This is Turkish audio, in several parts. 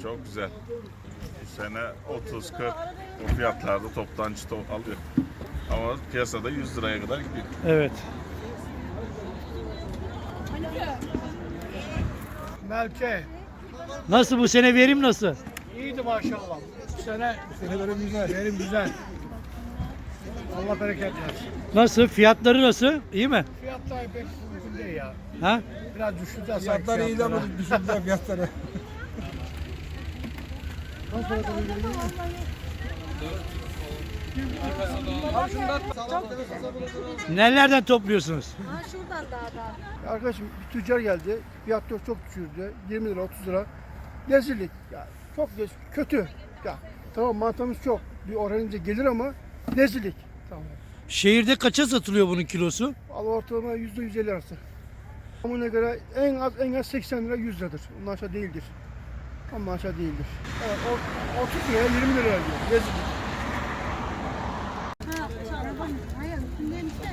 çok güzel. Bu sene 30-40 o fiyatlarda toptancı alıyor. Ama piyasada 100 liraya kadar gidiyor. Evet. Melke. Nasıl bu sene verim nasıl? İyiydi maşallah. Bu sene verim güzel. Verim güzel. Allah bereket versin. Nasıl? Fiyatları nasıl? İyi mi? Fiyatlar pek uygun değil ya. Ha? Biraz düşüreceğiz. Fiyatlar iyi ama düşürdüler fiyatları. Nelerden topluyorsunuz? Ha şuradan daha. Arkadaşım bir tüccar geldi. Fiyatları çok düşürdü. 20 lira 30 lira. Rezillik. Ya, çok kötü. Ya, tamam mantamız çok. Bir oranınca gelir ama rezillik. Tamam. Şehirde kaça satılıyor bunun kilosu? Al ortalama %150 arası. Amına göre en az 80 lira 100 liradır. Ondan aşağı değildir. Ama aşağı değildir. Evet, 30 liraya 20 liraya diyor. Rezillik. Hayır, üstündeymiş de.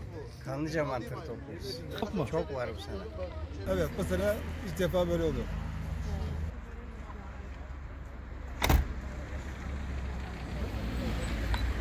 Kanlıca mantarı topluyoruz. Çok mu? Çok var bu sene. Evet bu sene ilk defa böyle oldu.